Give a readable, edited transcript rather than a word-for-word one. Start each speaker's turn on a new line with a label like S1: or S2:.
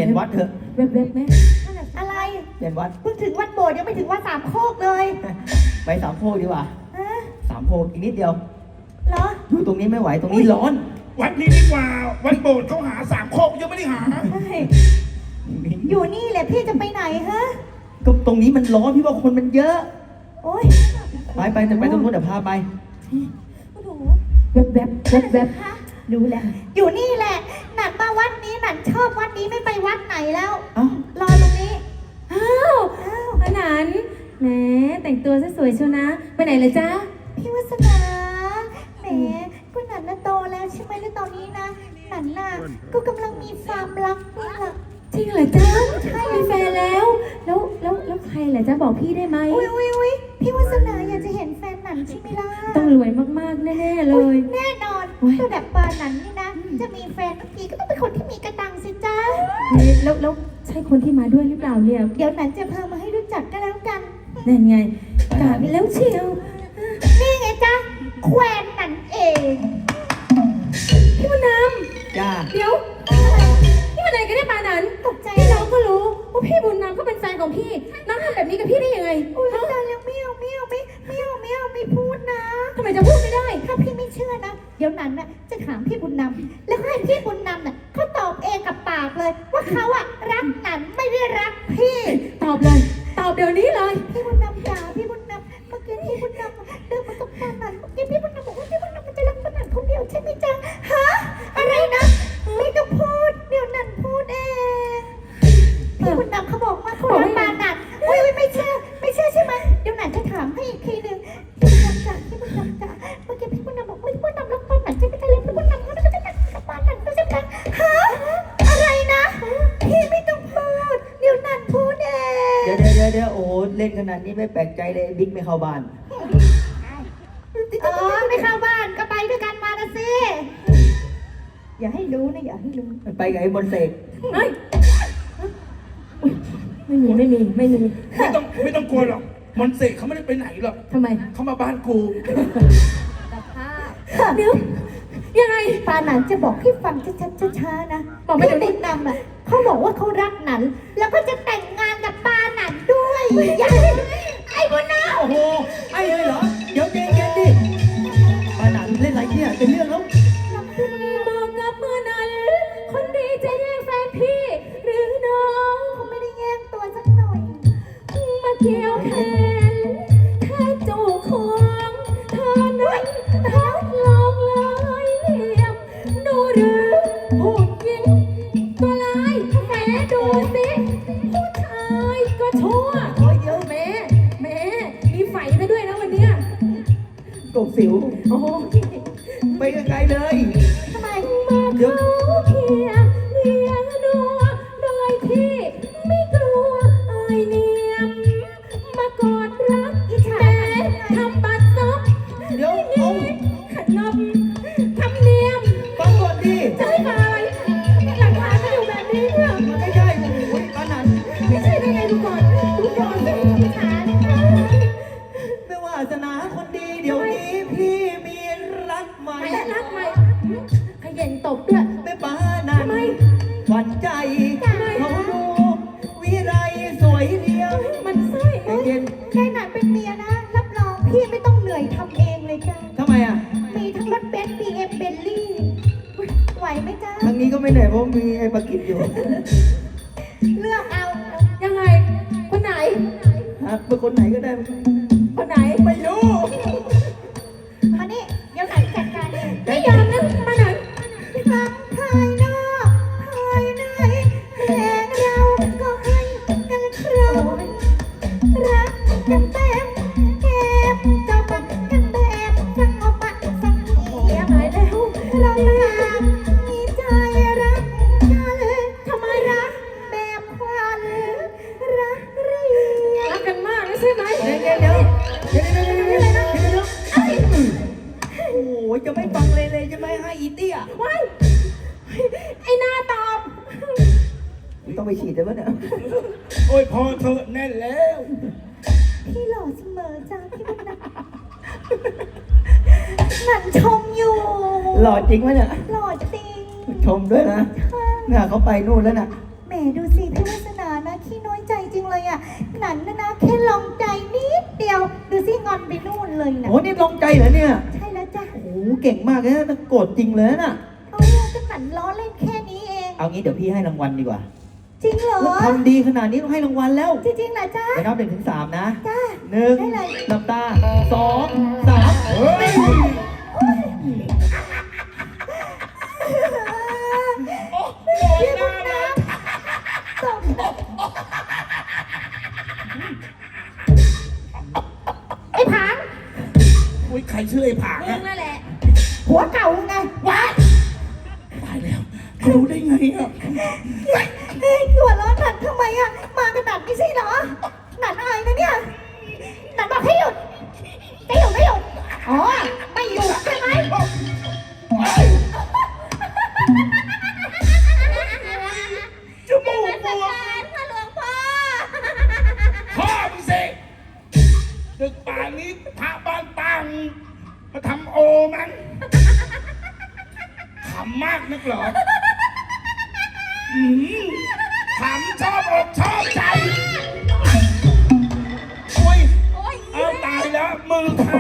S1: นวัดเถอะ
S2: เว็บไหม
S3: อะไร
S1: เปลี่ยนวัด
S3: เพิ่งถึงวัดโบสถ์ยังไม่ถึงวัดสามโคกเลย
S1: ไปสามโพกดีกว่า
S3: ฮะ
S1: สามโพกอีกนิดเดียว
S3: เหรอ
S1: อยู่ตรงนี้ไม่ไหวตรงนี้ร้อน
S4: วัดนี้ดีกว่าวัดโบสถ์เขาหาสามโคกยังไม่ได้หา
S3: ใช่อยู่นี่แหละพี่จะไปไหนฮะ
S1: ก็ตรงนี้มันร้อนพี่ว่าคนมันเยอะ
S3: โอ๊ย
S1: ไปแต่ไปตรงนู้นเดี๋ยวพาไป
S3: โอ้โห
S2: เว็บ
S3: ฮะรู้แล้วอยู่นี่แหละหนันมาวัดนี้หนันชอบวัดนี้ไม่ไปวัดไหนแล้ว
S1: เอ้าร
S3: อตรงนี้
S2: อ้าวขนาดแหมแต่งตัวสวยๆเชียวนะไปไหนเลยจ๊ะ
S3: พี่วัสนาแหมก็หนันน่ะโตแล้วใช่ไหมแล้วตอนนี้นะหนันน่ะก็กำลังมีความรักนี่แหละ
S2: จริงเหรอจ๊ะใช่มีแฟนแล้วใครเหรอจ๊ะบอกพี่ได้ไหม
S3: อุ้ยพี่วัสนาอยากจะเห็นแฟนหนันใช่ไหมล่ะ
S2: ต้องรวยมากๆแน่ๆเลย
S3: แน่นอน
S2: โอ้ย
S3: ระดับปานันนี่นะ จะมีแฟนเมื่อกี้ก็ต้องเป็นคนที่มีกระตังสิจ้า
S2: แล้วใช่คนที่มาด้วยหรือเปล่าเนี่ย
S3: เดี๋ยวหนันจะพามาให้รู้จักกันแล้วกัน
S2: นั่นไงกาดแล้วเชียว
S3: นี่ไงจ้าแควนหนันเอง
S2: พี่มาน
S1: จ้า
S2: ำเดี๋ยวพี่มาไหนกันได้ปานั้น
S3: ตกใจ
S2: พี่
S3: แล้
S2: น้
S3: ว
S2: องก็รู้ว่าพี่บุญนำเขาเป็นแฟนของพี่น้องทำแบบนี้กับพี่ได้ยังไง
S3: อุ้ยตายแล้วไม่เอาไม่พูดนะ
S2: ทำไมจะพูดไม่ได้
S3: ถ้าพี่ไม่เชื่อนะ เดี๋ยวนั้นน่ะจะถามพี่บุญนำแล้วให้พี่บุญนำน่ะเขาตอบเองกับปากเลย ว่าเขาอะรักหนันไม่ได้รักพี่
S2: ตอบเลยตอบเดี๋ยวนี้เลย
S3: พี่บุญนำจ๋าพี่บุญนำเมื่อกี้พี่บุญนำเดินมาตรงปานันเมื่อกี้พี่บุญนำบอกว่าพี่บุญนำมันจะรักปานันคนเดียวใช่ไหมจ๊ะฮะอะไรนะไม่ต้องพูดเดี๋ยวนันพูดเองพี่บุญนำเขาบอกว่าเขารักปานันอุ้ยไม่เชื่อใช่ไหมเดี๋ยวนันจะถามให้อีกทีหนึ่งพี่บุญนำจ๋าเมื่อกี้พี่บุญนำบอกว่าพี่บุญนำรักปานันใช่ไหมจ๊ะแล้วพี่บุญนำเขาจะแต่งกับปานันก็ใช่ไหมฮะอะไรนะพี่ไม่ต้องพูดเดี๋ยวนันพูดเอง
S1: เดี๋ยวโอ้โหเล่นขนาดนี้ไม่แปลกใจเลยบิ๊กไม่เข้าบ้าน
S3: ไม่เข้าบ้านก็ไปด้วยกันมานะสิ อย่าให้รู้นะอย่าให้รู้
S1: ไปกับไอ้มนต์เสก
S2: เฮ้ยอุ๊ยไม่มี
S4: ไม่ต้องกลัวหรอกมอนต์เสกเขาไม่ได้ไปไหนหรอก
S2: ทำไม
S4: เขามาบ้านกู
S2: เดี๋ยวยังไง
S3: ปาหนันจะบอกให้ฟังชัดๆช้าๆนะ
S2: บอกไม่เดี๋ยวนี้
S3: พี่บุญนำอ่ะเขาบอกว่าเขารักหนัน แล้วก็จะแต่งงานกับปาหนันด้วยอย่าไอ้บุญนำ
S1: โอ้โหไอ้เลยเหรอเดี๋ยวเย็นๆดิปานันเล่นอะไรเนี่ยเป็นเรื่องแล้ว
S2: บอกกับเมื่อนั้น คนดีจะแย่งแฟนพี่ หรือน้อง
S3: เขาไม่ได้แย่งตัวสักหน่อย
S2: มาเกี่ยวแขนแค่จูบของเธอนั้นทักลองลายเหลี่ยมดูหรือผู้หญิงตัวร้ายแหมดูสิผู้ชายก็ชั่วโอ้ยเดี๋ยวแหมมีไฟซะด้วยนะวันเนี้ย
S1: กบสิว
S2: โอ้โห
S1: ไปไกลๆเลย
S3: ทำไม
S2: มาเขาเคียงเลียงนัวโดยที่ไม่กลัวอายเนียมมากอดรักแต่ทำบัดซบ
S1: เดี๋ยวเอา
S2: ขนมทำเนียม
S1: ฟังก่อนดิ
S2: จะให้มาอะไรหลักฐานก็อยู่แบบนี้เนี่ย
S1: มันไม่ใช่โอ้ยปานัน
S2: ไม่ใช่ได้ไงดูก่อนดูก่อนสิหลักฐาน
S1: ไม่ว่าสนาคนดีเดี๋ยวนี้พี่มีรักใหม่
S2: ไม่รักไหมขยันตบด้วย
S1: ไม่ปานัน
S2: ทำไม
S1: หวั่นใจเขาดูวิไรสวยเดียว
S2: มันไส้
S1: ใจเย็น
S3: แค่หนันเป็นเมียนะ รับรองพี่ไม่ต้องเหนื่อยทำเองเลยจ้า
S1: ทำไมอ่ะ
S3: มีทั้งรถเบนซ์ BM เบนลี่ไหวไหมจ้า
S1: ทางนี้ก็ไม่เหนื่อยเพราะมีไอ้ปากิจอยู่
S3: เลือกเอา
S2: ยังไงคนไหน
S1: ฮะเป็นคนไหนก็ได้
S2: คนไหน
S1: ไม่รู้
S3: มานี่เดี๋ยวไหนจัดการเอง
S2: ไม่ยอมนะมาไหน
S3: ทั้งภายนอกภายในแห่งเราก็ให้กันครองรักกันเต็มเก็บจบกันแบบสงบสงเงียบ
S2: หายแล้ว
S3: เราต่างมีใจรักกันทำไมรักแบบควันรักเรีย
S2: รักกันมากนะใช่ไหม
S1: เดี๋ยวโอ้ยจะไม่ฟังเลยจะไม่ให้อีเตี้ย
S2: ว้ายไอ้หน้าตอบ
S1: ต้องไปฉีดเลยวะเนี่ย
S4: โอ้ยพอเถอะแน่นแล้ว
S3: พี่หล่อเสมอจ้าพี่บุญนะหนันชมอยู่
S1: หล่อจริงวะเนี่ย
S3: หล่อจริง
S1: ชมด้วยนะเนี่ยเขาไปนู่นแล้วน่ะ
S3: แหมดูสิพี่วาสนานะขี้น้อยใจจริงเลยอ่ะหนันนะแค่ลองใจนิดเดียวดูสิงอนไปนู่นเลยนะ
S1: โอ้นี่ลงใจเหรอเนี่ย
S3: ใช่แล้วจ้ะ
S1: โอ้โหเก่งมากเลยนะแต่โกรธจริงเลยน่ะ
S3: เอาก็หนันล้อเล่นแค่นี้เอง
S1: เอางี้เดี๋ยวพี่ให้รางวัลดีกว่า
S3: จริงเหรอ
S1: ทำดีขนาดนี้ต้องให้รางวัลแล้ว
S3: จริงๆเหรอจ๊ะ
S1: ไปนับ1 ถึง 3นะ
S3: จ้า
S1: 1
S3: ได้เลย
S1: หลับตา2 3
S4: เฮ้ย โอ้โห
S3: พี่
S4: น่า
S3: บุญ
S4: รั
S3: น
S4: ก
S3: ำส่งไอ้ผาง
S4: อุ้ยใครชื่อไอ้ผาง
S2: มึ
S4: อะ
S2: งนั่นแหละ
S3: หัวเก่าไง
S4: ว้ายตายแล้วรู้ได้ไงอะ
S3: เฮ้ยตัวร้อนหนันทำไมอ่ะมากันหนันไม่ใช่เหรอหนันอายนะเนี่ยหนันบอกให้หยุดจะหยุดไม่หยุดอ๋อไม่หยุดใช่ไหม
S4: เฮ้ยจมูกบวม
S2: พ่อหลวงพ่อ
S4: พ่อมึงสิดึกป่านนี้พระบ้านตังมาทำโอมันขำมากนักเหรออืมขำชอบอกชอบใจโอ้ย
S2: โอ้ย
S4: เอาตายแล้วมือขา